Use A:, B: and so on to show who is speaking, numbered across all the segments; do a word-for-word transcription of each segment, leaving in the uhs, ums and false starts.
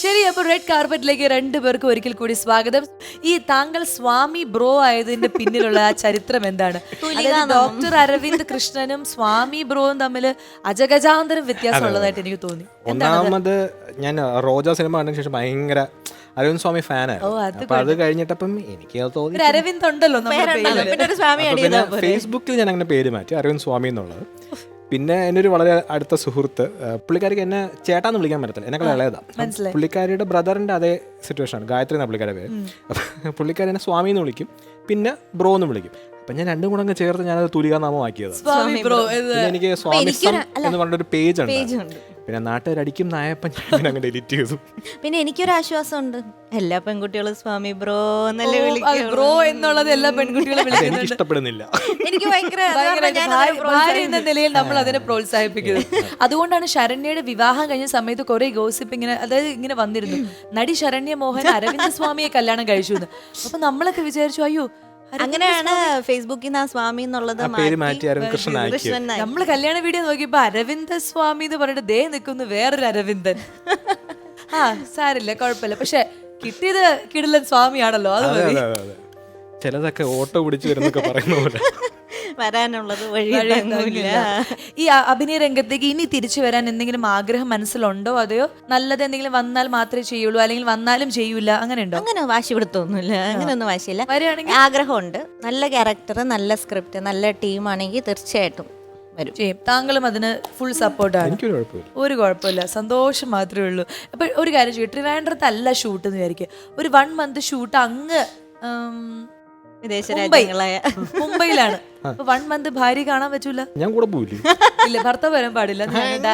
A: ശരി, അപ്പൊ റെഡ് കാർപ്പറ്റിലേക്ക് രണ്ടുപേർക്കും ഒരിക്കൽ കൂടി സ്വാഗതം. ഈ താങ്കൾ സ്വാമി ബ്രോ ആയതിന്റെ പിന്നിലുള്ള ആ ചരിത്രം എന്താണ്? ഡോക്ടർ അരവിന്ദ് കൃഷ്ണനും സ്വാമി ബ്രോയും തമ്മിൽ അജഗജാന്തരം വ്യത്യാസം ഉള്ളതായിട്ട് എനിക്ക് തോന്നി.
B: ഒന്നാമത് ഞാൻ റോജ സിനിമ കണ്ടതിന് ശേഷം ഭയങ്കര അരവിന്ദ് സ്വാമി ഫാനായിരുന്നു. അപ്പൊ അത് കഴിഞ്ഞിട്ടപ്പം എനിക്ക് തോന്നി
A: അരവിന്ദ് ഉണ്ടല്ലോ
B: പിന്നെ ഫേസ്ബുക്കിൽ ഞാൻ അങ്ങനെ പേര് മാറ്റി അരവിന്ദ് സ്വാമി എന്നുള്ളത്. പിന്നെ എൻ്റെ ഒരു വളരെ അടുത്ത സുഹൃത്ത്, പുള്ളിക്കാരിക്ക് എന്നെ ചേട്ടാന്ന് വിളിക്കാൻ പറ്റത്തില്ല, എന്നെ ഇളയതാണ്. പുള്ളിക്കാരിയുടെ ബ്രദറിന്റെ അതേ സിറ്റുവേഷൻ ആണ്, ഗായത്രി എന്ന പുള്ളിക്കാരുടെ പേര്. അപ്പം പുള്ളിക്കാരി എന്നെ സ്വാമി എന്ന് വിളിക്കും, പിന്നെ ബ്രോ എന്ന് വിളിക്കും. അപ്പൊ ഞാൻ രണ്ടും കൂടെ അങ്ങ് ചേർത്ത് ഞാനത് തുലികാനാമം ആക്കിയത്. പിന്നെ എനിക്ക് സ്വാമിസം എന്ന് പറഞ്ഞൊരു പേജ് ഉണ്ട്. പിന്നെ നാട്ടുകാരടിക്കും നായപ്പൻ ഞാൻ അങ്ങനെ ഡിലീറ്റ് ചെയ്തു.
C: പിന്നെ എനിക്കൊരു ആശ്വാസമുണ്ട്, എല്ലാ പെൺകുട്ടികളും സ്വാമി ബ്രോ എന്നല്ലേ
A: ബ്രോ എന്നുള്ളത് എല്ലാ പെൺകുട്ടികളും
B: എനിക്ക് ഇഷ്ടപ്പെടുന്നില്ല.
C: എനിക്ക് ഭയങ്കര
A: ഭാര്യ എന്ന നിലയിൽ നമ്മൾ അതിനെ പ്രോത്സാഹിപ്പിക്കുന്നത്. അതുകൊണ്ടാണ് ശരണ്യയുടെ വിവാഹം കഴിഞ്ഞ സമയത്ത് കുറെ ഗോസിപ്പ് ഇങ്ങനെ, അതായത് ഇങ്ങനെ വന്നിരുന്നു, നടി ശരണ്യ മോഹൻ അരവിന്ദ് സ്വാമിയെ കല്യാണം കഴിച്ചു എന്ന്. അപ്പൊ നമ്മളൊക്കെ വിചാരിച്ചു അയ്യോ,
C: അങ്ങനെയാണ് ഫേസ്ബുക്കിൽ നിന്ന് ആ സ്വാമി എന്നുള്ളത്
A: നമ്മള് കല്യാണ വീഡിയോ നോക്കിയപ്പോ അരവിന്ദ സ്വാമി എന്ന് പറഞ്ഞിട്ട് ദേ നിൽക്കുന്നു വേറൊരു അരവിന്ദൻ. ആ സാരില്ല, കുഴപ്പമില്ല. പക്ഷെ കിട്ടിയത് കിടിലൻ സ്വാമിയാണല്ലോ, അത് മതി.
B: ചിലതൊക്കെ ഓട്ടോ പിടിച്ചു വരുന്നൊക്കെ പറയുന്ന പോലെ
C: വരാനുള്ളത് വഴി.
A: ഈ അഭിനയ രംഗത്തേക്ക് ഇനി തിരിച്ചു വരാൻ എന്തെങ്കിലും ആഗ്രഹം മനസ്സിലുണ്ടോ, അതെയോ നല്ലത് എന്തെങ്കിലും വന്നാൽ മാത്രമേ ചെയ്യുള്ളൂ, അല്ലെങ്കിൽ വന്നാലും ചെയ്യൂല, അങ്ങനെ ഉണ്ടോ?
C: അങ്ങനെ വാശി പിടുത്തൊന്നുമില്ല, അങ്ങനെയൊന്നും വാശിയില്ല. വരികയാണെങ്കിൽ ആഗ്രഹമുണ്ട്, നല്ല ക്യാരക്ടർ, നല്ല സ്ക്രിപ്റ്റ്, നല്ല ടീമാണെങ്കിൽ തീർച്ചയായിട്ടും വരും.
A: ചെയ്യും. താങ്കളും അതിന് ഫുൾ സപ്പോർട്ടാണ്, ഒരു കുഴപ്പമില്ല, സന്തോഷം മാത്രമേ ഉള്ളൂ. അപ്പൊ ഒരു കാര്യം ചെയ്യും, ട്രിവാൻഡ്രത്ത് അല്ല ഷൂട്ട് എന്ന് വിചാരിക്കുക, ഒരു വൺ മന്ത് ഷൂട്ട് അങ്ങ്
C: വിദേശ രാജ്യങ്ങളായ
A: മുംബൈയിലാണ്. അപ്പൊ വൺ മന്ത് ഭാര്യ കാണാൻ പറ്റൂല,
B: ഞാൻ കൂടെ പോയില്ല.
A: ഇല്ല, ഭർത്താവ് വരാൻ പാടില്ല.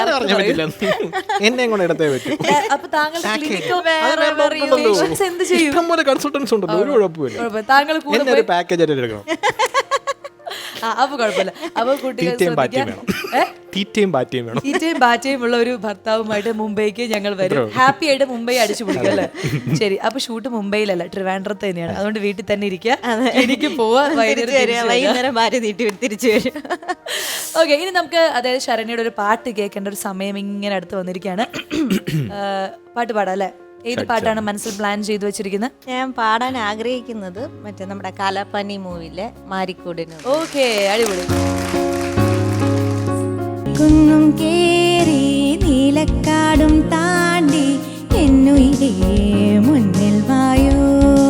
A: അപ്പൊ താങ്കൾ എന്ത് ചെയ്യും? താങ്കൾ കൂടെ
B: പാക്കേജ്
A: അപ്പൊ കുഴപ്പമില്ല. അപ്പൊ കുട്ടികൾ തീറ്റയും ബാറ്റയും ഉള്ള ഒരു ഭർത്താവുമായിട്ട് മുംബൈക്ക് ഞങ്ങൾ വരും. ഹാപ്പി ആയിട്ട് മുംബൈ അടിച്ചു പിടിക്കും അല്ലേ? ശരി, അപ്പൊ ഷൂട്ട് മുംബൈയിലല്ല, ട്രിവാൻഡ്രത്ത് തന്നെയാണ്. അതുകൊണ്ട് വീട്ടിൽ തന്നെ ഇരിക്കുക, എനിക്ക് പോവാ,
C: വൈകുന്നേരം ഭാര്യ നീട്ടി തിരിച്ചു വരും.
A: ഓക്കെ, ഇനി നമുക്ക് അതായത് ശരണ്യയുടെ ഒരു പാട്ട് കേൾക്കേണ്ട ഒരു സമയം ഇങ്ങനെ അടുത്ത് വന്നിരിക്കുകയാണ്. പാട്ട് പാടാം അല്ലേ? ഏത് പാട്ടാണ് മനസ്സിൽ പ്ലാൻ ചെയ്തു വെച്ചിരിക്കുന്നത്?
C: ഞാൻ പാടാൻ ആഗ്രഹിക്കുന്നത് മറ്റേ നമ്മുടെ കാലാപ്പാനി മൂവിയിലെ മാരിക്കൂടിന്.
A: ഓക്കെ, അടിപൊളി.
D: കുന്നും കേറി നീലക്കാടും താണ്ടി എന്നുയിരേ മുന്നിൽ വായോ,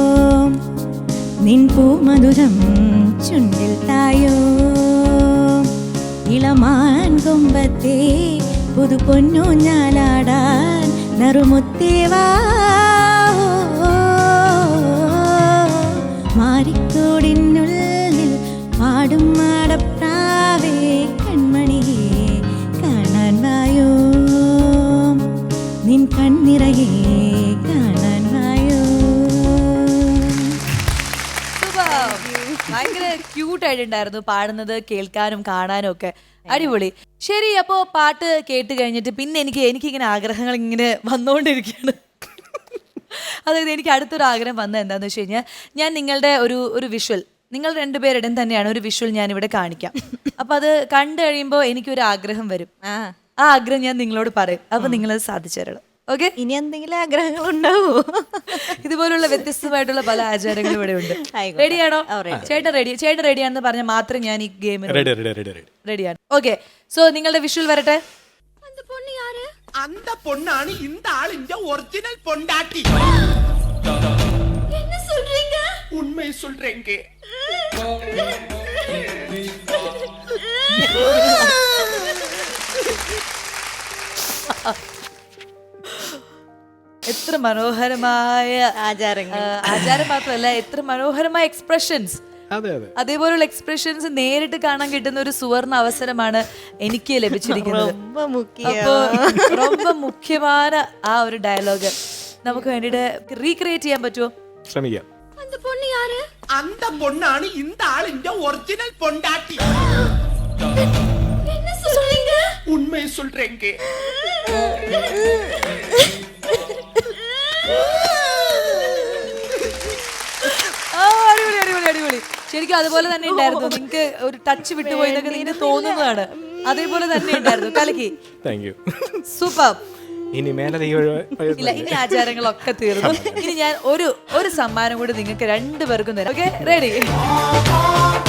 D: നിൻ പൂമധുരം ചുണ്ടിൽ തായോ, ഇളമാൻ കൊമ്പത്തെ പുതു പൊന്നു ഞാലാടാൻ നറുമുത്തേവാ, മാരിക്കോടിനുള്ളിൽ പാടും മാടപ്രാവേ കൺമണിയെ കാണാൻ വായോ, നിൻ കണ്ണിറയെ കാണാൻ വായോ.
A: ഭയങ്കര ക്യൂട്ട് ആയിട്ടുണ്ടായിരുന്നു പാടുന്നത്, കേൾക്കാനും കാണാനും ഒക്കെ അടിപൊളി. ശരി, അപ്പോ പാട്ട് കേട്ട് കഴിഞ്ഞിട്ട് പിന്നെ എനിക്ക് എനിക്കിങ്ങനെ ആഗ്രഹങ്ങൾ ഇങ്ങനെ വന്നുകൊണ്ടിരിക്കുകയാണ്. അതായത് എനിക്ക് അടുത്തൊരു ആഗ്രഹം വന്നത് എന്താണെന്ന് വെച്ച് കഴിഞ്ഞാൽ, ഞാൻ നിങ്ങളുടെ ഒരു ഒരു വിഷ്വൽ, നിങ്ങൾ രണ്ടുപേരുടെയും തന്നെയാണ് ഒരു വിഷ്വൽ ഞാൻ ഇവിടെ കാണിക്കാം. അപ്പൊ അത് കണ്ടു കഴിയുമ്പോൾ എനിക്കൊരു ആഗ്രഹം വരും. ആ ആഗ്രഹം ഞാൻ നിങ്ങളോട് പറയും, അപ്പൊ നിങ്ങളത് സാധിച്ചു തരണം. ഓക്കെ,
C: ഇനി എന്തെങ്കിലും ആഗ്രഹങ്ങൾ ഉണ്ടാവോ?
A: ഇതുപോലുള്ള വ്യത്യസ്തമായിട്ടുള്ള പല ആചാരങ്ങളും ഇവിടെ ഉണ്ട്. റെഡിയാണോ? ചേട്ടൻ റെഡി, ചേട്ടൻ റെഡിയാണെന്ന് പറഞ്ഞാൽ മാത്രം ഞാൻ ഈ ഗെയിം റെഡിയാണ്. ഓക്കെ, സോ നിങ്ങളുടെ വിഷ്വൽ വരട്ടെ.
E: அந்த பொண்ணாണ് இந்த ஆளிന്റെ ஒரிஜினல் பொண்டாட்டி.
D: என்ன சொல்றீங்க?
E: உண்மை சொல்றேங்க.
A: എത്ര മനോഹരമായ
C: ആചാരങ്ങൾ,
A: ആചാരം മാത്രമല്ല, എത്ര മനോഹരമായ എക്സ്പ്രഷൻസ്. അതേപോലുള്ള എക്സ്പ്രഷൻസ് നേരിട്ട് കാണാൻ കിട്ടുന്ന ഒരു സുവർണ അവസരമാണ് എനിക്ക് ലഭിച്ചിരിക്കുന്നത്. അപ്പോ ரொம்ப മുഖ്യമായ ആ ഒരു ഡയലോഗ് നമുക്ക് വേണ്ടിട്ട് റീക്രിയേറ്റ് ചെയ്യാൻ പറ്റുമോ?
B: ശ്രമിക്കാം.
D: அந்த பொண்ணு யாரு?
E: அந்த பொண்ணாണ് இந்த ஆளிന്റെ ஒரிஜினல் பொண்டாட்டி.
D: என்ன சொல்றீங்க?
E: உண்மை சொல்றேங்க.
A: അടിപൊളി അടിപൊളി അടിപൊളി. ശരിക്കും അതുപോലെ തന്നെ ഉണ്ടായിരുന്നു. നിങ്ങൾക്ക് ഒരു ടച്ച് വിട്ടുപോയി എന്നൊക്കെ നിങ്ങൾക്ക് തോന്നുന്നതാണ്. അതേപോലെ തന്നെ ഉണ്ടായിരുന്നു. കലക്കി,
B: താങ്ക് യു.
A: സൂപ്പർ.
B: ഇനി മേലെ ഈ ഒരു
A: ഇല്ല, ഇനി ആചാരങ്ങളൊക്കെ തീർന്നു. ഇനി ഞാൻ ഒരു ഒരു സമ്മാനം കൂടി നിങ്ങൾക്ക് രണ്ടുപേർക്കും തരാം. Okay, ready?